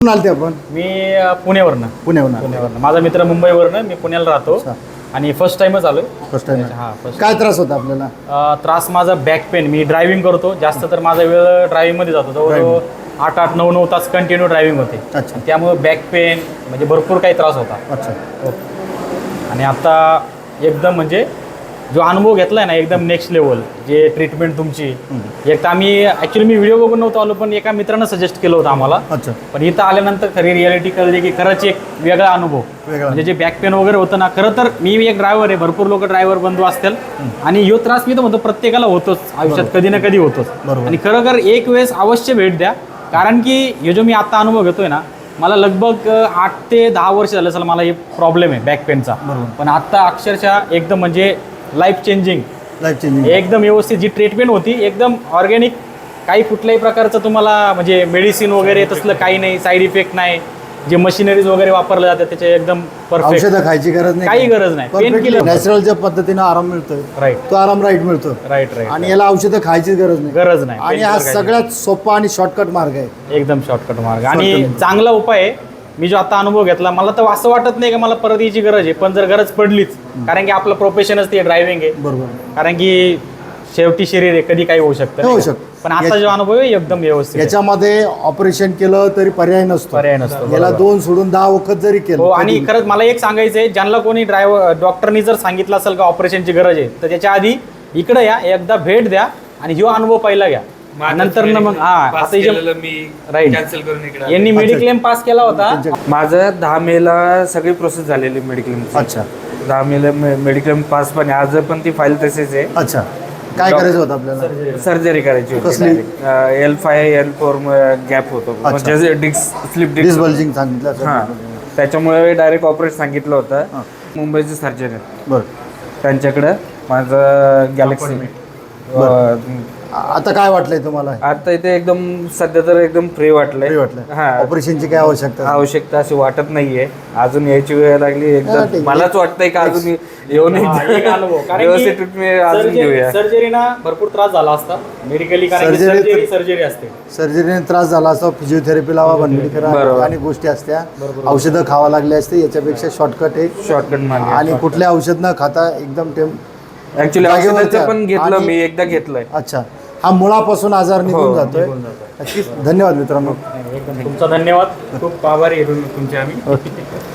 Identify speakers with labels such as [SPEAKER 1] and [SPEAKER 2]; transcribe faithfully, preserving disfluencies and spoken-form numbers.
[SPEAKER 1] कुठून आलते आपण?
[SPEAKER 2] मी अ, पुण्यावरनं
[SPEAKER 1] पुण्याहून आले.
[SPEAKER 2] पुण्यावरनं माझा मित्र मुंबईवरनं, मी पुण्याला राहतो.
[SPEAKER 1] अच्छा.
[SPEAKER 2] आणि फर्स्ट टाइमच आलोय.
[SPEAKER 1] फर्स्ट टाइम
[SPEAKER 2] हा फर्स्ट
[SPEAKER 1] काय त्रास होता आपल्याला?
[SPEAKER 2] त्रास माझा बॅक पेन. मी ड्रायव्हिंग करतो जास्त, तर माझा वेळ ड्रायव्हिंगमध्ये जातो. जवळजवळ आठ आठ नऊ नऊ तास कंटिन्यू ड्रायव्हिंग होते.
[SPEAKER 1] अच्छा.
[SPEAKER 2] त्यामुळे बॅक पेन म्हणजे भरपूर काही त्रास होता.
[SPEAKER 1] अच्छा.
[SPEAKER 2] आणि आता एकदम म्हणजे जो अनुभव घेतलाय ना, एकदम नेक्स्ट लेवल. जे ट्रीटमेंट तुमची, एक तर आम्ही ॲक्च्युली मी व्हिडिओ बघून नव्हतो आलो, पण एका मित्रानं सजेस्ट केलं होतं आम्हाला.
[SPEAKER 1] अच्छा.
[SPEAKER 2] पण इथं आल्यानंतर खरी रियालिटी कळली की खरंच एक वेगळा अनुभव.
[SPEAKER 1] वेगळा.
[SPEAKER 2] म्हणजे जे बॅक पेन वगैरे होतं ना, खरं तर मी एक ड्रायव्हर आहे, भरपूर लोक ड्रायव्हर बंधू असतील, आणि ह्यो त्रास मी तर म्हणतो प्रत्येकाला होतोच आयुष्यात, कधी ना कधी होतोच.
[SPEAKER 1] बरोबर.
[SPEAKER 2] आणि खरोखर एक वेळेस अवश्य भेट द्या, कारण की हे जो मी आता अनुभव घेतोय ना, मला लगभग आठ ते दहा वर्ष झालं असेल मला हे प्रॉब्लेम आहे बॅक पेनचा.
[SPEAKER 1] बरोबर.
[SPEAKER 2] पण आता अक्षरशः एकदम म्हणजे लाईफ चेंजिंग,
[SPEAKER 1] लाईफ चेंजिंग
[SPEAKER 2] एकदम व्यवस्थित जी ट्रीटमेंट होती, एकदम ऑर्गॅनिक. काही कुठल्याही प्रकारचं तुम्हाला म्हणजे मेडिसिन वगैरे तसलं काही नाही, साईड इफेक्ट नाही. जे मशिनरीज वगैरे वापरले जातात त्याचे एकदम परफेक्ट,
[SPEAKER 1] औषधं खायची गरज नाही,
[SPEAKER 2] काही गरज नाही. पेन किलर
[SPEAKER 1] नॅचरलच्या पद्धतीने आराम मिळतोय.
[SPEAKER 2] राईट
[SPEAKER 1] तो आराम राईट मिळतो.
[SPEAKER 2] राईट राईट
[SPEAKER 1] आणि याला औषधं खायचीच गरज नाही.
[SPEAKER 2] गरज नाही.
[SPEAKER 1] आणि हा सगळ्यात सोपा आणि शॉर्टकट मार्ग आहे.
[SPEAKER 2] एकदम शॉर्टकट मार्ग आणि चांगला उपाय आहे. मी जो आता अनुभव घेतला, मला तर असं वाटत नाही की मला परत याची गरज आहे, पण जर गरज पडलीच, कारण की आपलं प्रोफेशनच ते ड्रायव्हिंग आहे.
[SPEAKER 1] बरोबर.
[SPEAKER 2] कारण की शेवटी शरीर आहे, कधी काही होऊ शकतं.
[SPEAKER 1] होऊ
[SPEAKER 2] नाही का?
[SPEAKER 1] शकतं.
[SPEAKER 2] पण आता जो अनुभव आहे एकदम व्यवस्थित आहे.
[SPEAKER 1] याच्यामध्ये ऑपरेशन केलं तरी पर्याय नसतो.
[SPEAKER 2] पर्याय नसतो.
[SPEAKER 1] याला
[SPEAKER 2] बरोबर.
[SPEAKER 1] दोन सोडून दहा वखत जरी
[SPEAKER 2] हो.
[SPEAKER 1] केलं
[SPEAKER 2] आणि
[SPEAKER 1] तरी-
[SPEAKER 2] खरंच मला एक सांगायचं आहे, ज्यांना कोणी ड्रायव्हर डॉक्टरनी जर सांगितलं असेल का ऑपरेशनची गरज आहे, तर त्याच्या आधी इकडे या, एकदा भेट द्या आणि ह्यो अनुभव पहिला घ्या. नंतर ना मग हा आता जे- राईट. यांनी मेडिक्लेम पास केला होता.
[SPEAKER 3] माझं दहा मेला सगळी प्रोसेस झालेली मेडिक्लेम.
[SPEAKER 1] अच्छा.
[SPEAKER 3] दहा मेला मेडिक्लेम पास पण आहे. आज पण ती फाईल तशीच आहे.
[SPEAKER 1] अच्छा. काय करायचं होतं आपल्याला?
[SPEAKER 3] सर्जरी करायची होती.
[SPEAKER 1] कसली?
[SPEAKER 3] L five L four gap होतो,
[SPEAKER 1] अच्छा.
[SPEAKER 3] म्हणजे disc slip
[SPEAKER 1] dis
[SPEAKER 3] disc.
[SPEAKER 1] Bulging सांगितलं
[SPEAKER 3] हां,
[SPEAKER 1] असेल.
[SPEAKER 3] त्याच्यामुळे डायरेक्ट ऑपरेट सांगितलं होतं.
[SPEAKER 1] हां.
[SPEAKER 3] मुंबईचे सर्जन
[SPEAKER 1] बरं.
[SPEAKER 3] त्यांच्याकडं माझं गॅलेक्सी.
[SPEAKER 1] आता काय वाटलंय तुम्हाला?
[SPEAKER 3] आता इथे एकदम सध्या तर एकदम फ्री वाटलंय.
[SPEAKER 1] फ्री वाटलं.
[SPEAKER 3] हां.
[SPEAKER 1] ऑपरेशनची काय आवश्यकता?
[SPEAKER 3] आवश्यकता अशी वाटत नाहीये. अजून यायची वेळ लागली
[SPEAKER 1] हा, ठीक
[SPEAKER 3] एकदम.
[SPEAKER 1] आहे.
[SPEAKER 3] मलाच वाटतंय का अजून येऊन
[SPEAKER 2] हा, एक अनुभव. कारण
[SPEAKER 3] व्यवस्थित ट्रीटमेंट अजून घेऊया.
[SPEAKER 2] सर्जरीना भरपूर त्रास झाला असता मेडिकली, कारण
[SPEAKER 1] Surgery-
[SPEAKER 2] सर्जरी सर्जरी असते.
[SPEAKER 1] सर्जरीने त्रास झाला असता, फिजिओथेरपी लावा, बनबडी करा,
[SPEAKER 3] बरोबर.
[SPEAKER 1] आणि गोष्टी असत्या, औषधं खावा लागली असते. याच्यापेक्षा शॉर्टकट आहे.
[SPEAKER 3] शॉर्टकट मार्ग.
[SPEAKER 1] आणि कुठले औषध न खाता एकदम टेम
[SPEAKER 3] ऍक्च्युली
[SPEAKER 1] जागेवर
[SPEAKER 3] औषधाचं
[SPEAKER 1] त्या-
[SPEAKER 3] पण घेतलं
[SPEAKER 1] आणि-
[SPEAKER 3] मी, एकदा घेतलंय.
[SPEAKER 1] अच्छा. हा मुळापासून आजार निघून
[SPEAKER 3] हो,
[SPEAKER 1] जातोय.
[SPEAKER 2] निघून जातोय.
[SPEAKER 1] नक्कीच. धन्यवाद मित्रांनो.
[SPEAKER 2] एकदम तुमचा धन्यवाद. खूप आभारी आहे तुम- तुमचे आम्ही.